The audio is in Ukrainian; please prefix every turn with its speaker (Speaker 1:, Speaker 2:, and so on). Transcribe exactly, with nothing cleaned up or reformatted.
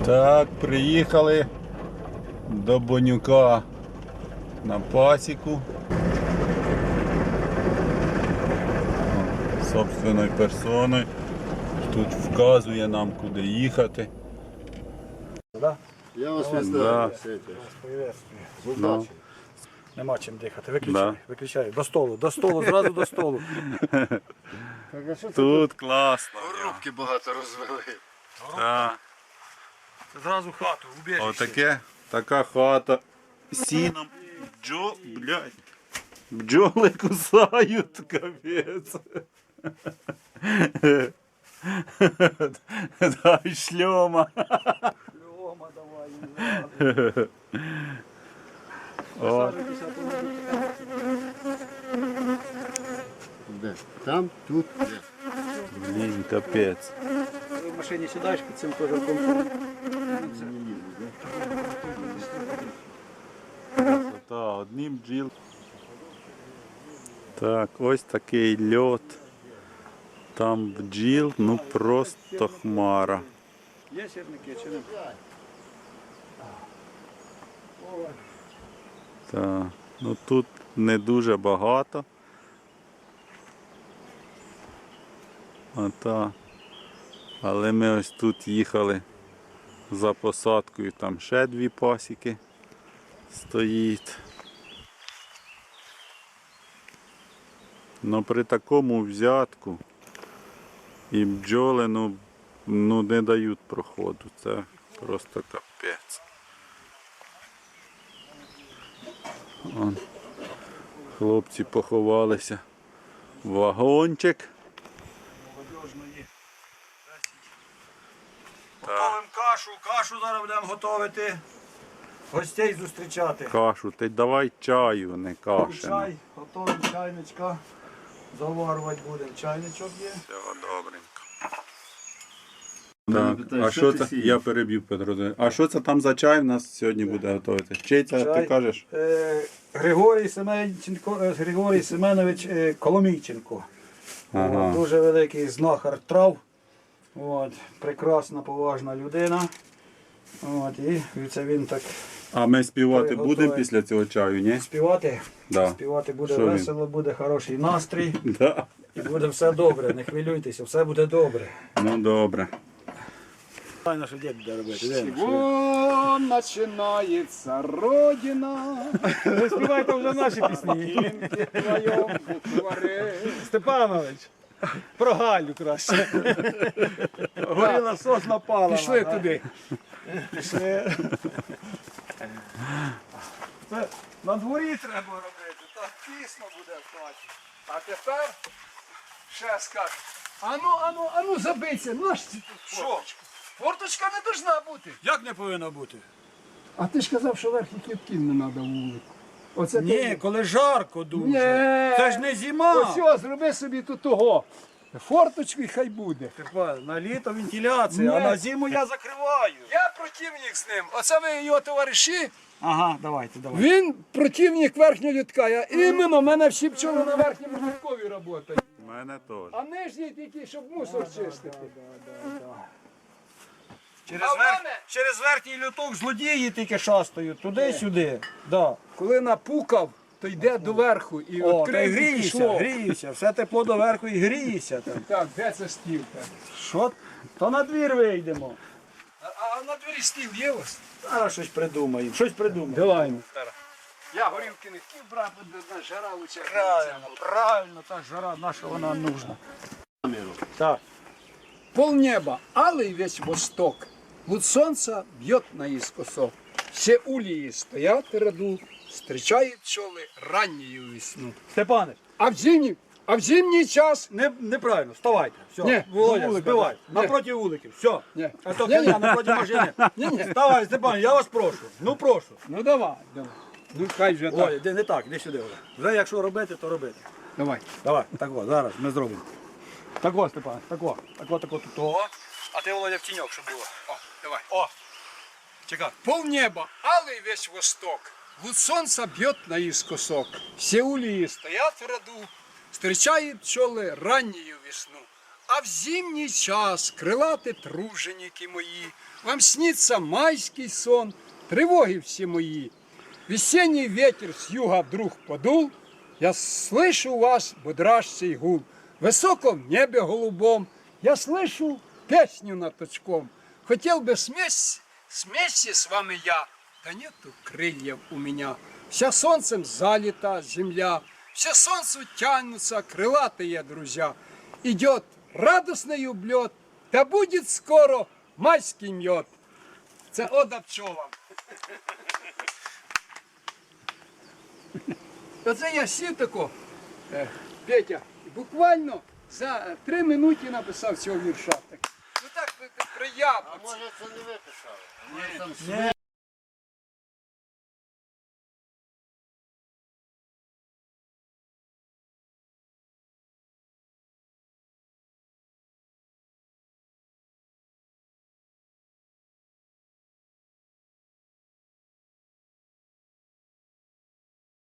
Speaker 1: Так, приїхали до Бонюка на пасіку. Собственною персоною. Тут вказує нам, куди їхати.
Speaker 2: Да?
Speaker 3: Я вас
Speaker 1: Да.
Speaker 3: вітаю.
Speaker 2: Приветствую.
Speaker 3: З удачі.
Speaker 2: Нема чим дихати. Виключай,
Speaker 1: Да.
Speaker 2: виключай. До столу, до столу, зразу до столу.
Speaker 3: Так, а що це
Speaker 1: Тут класно.
Speaker 3: рубки багато розвели?
Speaker 1: Так.
Speaker 2: Це зразу хату, убіжище.
Speaker 1: Отаке, така хата з сіном. Бджо, блядь. Бджоли кусають, капець. Дай шльома.
Speaker 2: Льома, давай.
Speaker 1: О,
Speaker 3: Де? Там, тут, де?
Speaker 1: блін, капець.
Speaker 2: Ти в машині сідаєш під цим кожанком.
Speaker 1: Та, одним бджіл. Так, ось такий льот. Там бджіл, ну просто хмара.
Speaker 2: Є сірники чи не?
Speaker 1: Так, ну тут не дуже багато. А та. Але ми ось тут їхали за посадкою, там ще дві пасіки стоїть. Ну при такому взятку і бджоли ну, ну не дають проходу. Це просто капець. Вон, хлопці поховалися в вагончик.
Speaker 2: Молодіжної. Готовим кашу, кашу зараз будемо готувати. Гостей зустрічати.
Speaker 1: Кашу, ти давай чаю, не каші.
Speaker 2: Чай, готовим чайничка. Заварювати будемо. Чайничок є.
Speaker 1: Всього добренько.
Speaker 3: Мене
Speaker 1: Так,
Speaker 3: питають,
Speaker 1: а
Speaker 3: що
Speaker 1: що
Speaker 3: ти
Speaker 1: це?
Speaker 3: сієш?
Speaker 1: Я перебив, Петро. А що це там за чай в нас сьогодні буде готувати? Чий це, ти
Speaker 2: Чай.
Speaker 1: кажеш?
Speaker 2: Е, Григорій Семенченко, е, Григорій Семенович е, Коломійченко.
Speaker 1: Ага.
Speaker 2: От, дуже великий знахар трав. От, прекрасна, поважна людина. От, і це він так
Speaker 1: А ми співати
Speaker 2: Приготує.
Speaker 1: будемо після цього чаю, ні?
Speaker 2: співати.
Speaker 1: Да.
Speaker 2: Співати буде
Speaker 1: Що він?
Speaker 2: весело, буде хороший настрій
Speaker 1: Да.
Speaker 2: і буде все добре. Не хвилюйтеся, все буде добре.
Speaker 1: Ну добре.
Speaker 2: Файно, що дід буде робити.
Speaker 3: О, починається Родина.
Speaker 2: Ви співайте вже наші пісні.
Speaker 3: Твоєму букваре.
Speaker 2: Степанович, про Галю краще. Горіла сосна пала.
Speaker 3: Пішли туди.
Speaker 2: Пішли. Це на дворі треба робити, так тісно буде в хаті.
Speaker 3: А тепер ще скажу. Ану, ану, ану, забийся. Наш ці тут
Speaker 2: Що?
Speaker 3: форточка. Форточка не должна бути.
Speaker 2: Як не повинно бути?
Speaker 3: А ти ж казав, що верхніх квітків не треба вулику. Оце
Speaker 2: Ні,
Speaker 3: ти-
Speaker 2: коли жарко дуже.
Speaker 3: Ні.
Speaker 2: Це ж не зима.
Speaker 3: Ось його, зроби собі тут того. Форточку і хай буде.
Speaker 2: Тепер на літо вентиляція,
Speaker 3: Ні.
Speaker 2: а на зиму я закриваю.
Speaker 3: Я противник з ним. Оце ви його товариші.
Speaker 2: Ага, давайте, давайте.
Speaker 3: Він противник верхнього лютка. Я іменно в мене всі пчоли на верхньому люткові працюють.
Speaker 1: У мене теж.
Speaker 3: А нижній тільки, щоб мусор чистити.
Speaker 2: Через,
Speaker 3: А в
Speaker 2: верх...
Speaker 3: мене?
Speaker 2: Через верхній люток злодії тільки шастають, туди-сюди. Да.
Speaker 3: Коли напукав, то йде до верху і
Speaker 2: О, та й
Speaker 3: відкрив і
Speaker 2: грієшся,
Speaker 3: пішло.
Speaker 2: грієшся, все тепло до верху і грієшся там.
Speaker 3: Так, де це стіл? так?
Speaker 2: Що? То на двір вийдемо.
Speaker 3: А, а на дворі стіл є у вас?
Speaker 2: Зараз щось придумаємо, щось придумаємо.
Speaker 3: Давай. Я горілки не хотів брати, бо на жара лучше.
Speaker 2: Правильно, правильно, та жара наша вона нужна. Так.
Speaker 3: Полнеба, алый весь восток, луч солнца бьет наискосок. Все ульи стоят в роду, встречают пчелы раннюю весну.
Speaker 2: Степанич,
Speaker 3: А в зимний, а в зимний час...
Speaker 2: не, неправильно, вставайте. Все,
Speaker 3: Ні,
Speaker 2: Володя,
Speaker 3: до вулика,
Speaker 2: збивай.
Speaker 3: да.
Speaker 2: Напроти вуликів, все.
Speaker 3: Ні.
Speaker 2: А то
Speaker 3: Ні,
Speaker 2: фігня,
Speaker 3: ні.
Speaker 2: напроти машини.
Speaker 3: Ні, ні.
Speaker 2: Вставай, Степан, я вас прошу. Ну прошу.
Speaker 3: Ну давай, давай. Ну хай вже
Speaker 2: Ой,
Speaker 3: так.
Speaker 2: де не так, іди сюди. Оля. Вже якщо робити, то робити.
Speaker 3: Давай.
Speaker 2: Давай, так от, зараз ми зробимо. Так от, Степан, так от, так от, так от, тут. О. А ти, Володя, в тіньок, щоб було.
Speaker 3: О, давай.
Speaker 2: О, чекай.
Speaker 3: Полнеба, алый весь восток, луч солнца бьет наискосок. Все ульи стоят в роду, встречают пчелы раннюю весну. А в зимній час, крилати труженики мої, вам снится майский сон, тривоги всі мої. Весенний ветер с юга вдруг подул, я слышу вас бодращий гул. Высоко в небе голубом я слышу песню над точком. Хотел бы смесь, смеси с вами я, да нету крыльев у меня. Вся солнцем залита земля, все солнцу тянутся крылатые друзья. Идет радостный блёд, да будет скоро майский мед. Це ода пчолам. Оце я сів тако, е, Петя, буквально за три минути написав цього вірша. Так. Ну так приємно.
Speaker 4: Може це не ви писали?